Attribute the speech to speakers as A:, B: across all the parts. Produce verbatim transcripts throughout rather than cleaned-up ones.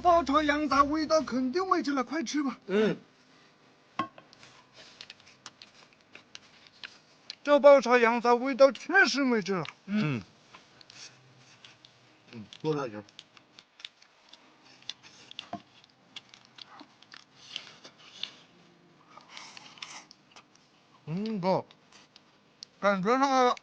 A: 爆炒羊杂味道肯定没劲了，快吃吧。
B: 嗯。
A: 这爆炒羊杂味道确实没劲了。
B: 嗯。嗯，多大点？
A: 嗯，不，感觉那个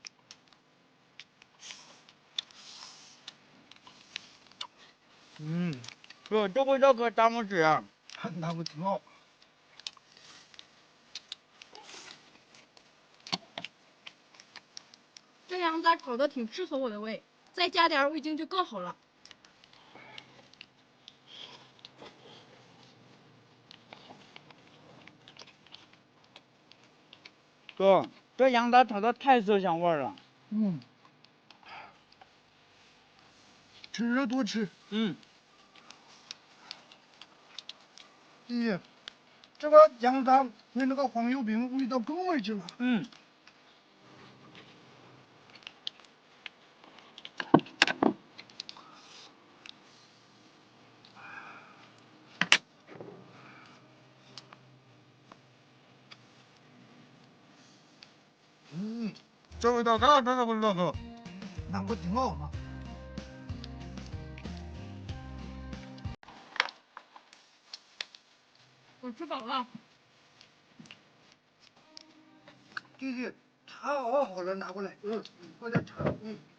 C: 嗯，哥，这味道可咱们吃啊，
A: 那个挺好。
D: 这羊杂炒的挺适合我的胃，再加点味精就更好了。
C: 哥，这羊杂炒的太色香味了。
A: 嗯，吃着多吃。
C: 嗯。
A: 咦，这个羊杂配那个黄油饼味道更没劲了。
C: 嗯。
A: 嗯，这味道那真的味道哥，那不挺好吗？
D: 我吃饱了。
A: 弟弟，茶熬好了，拿过来。嗯，快点茶。嗯。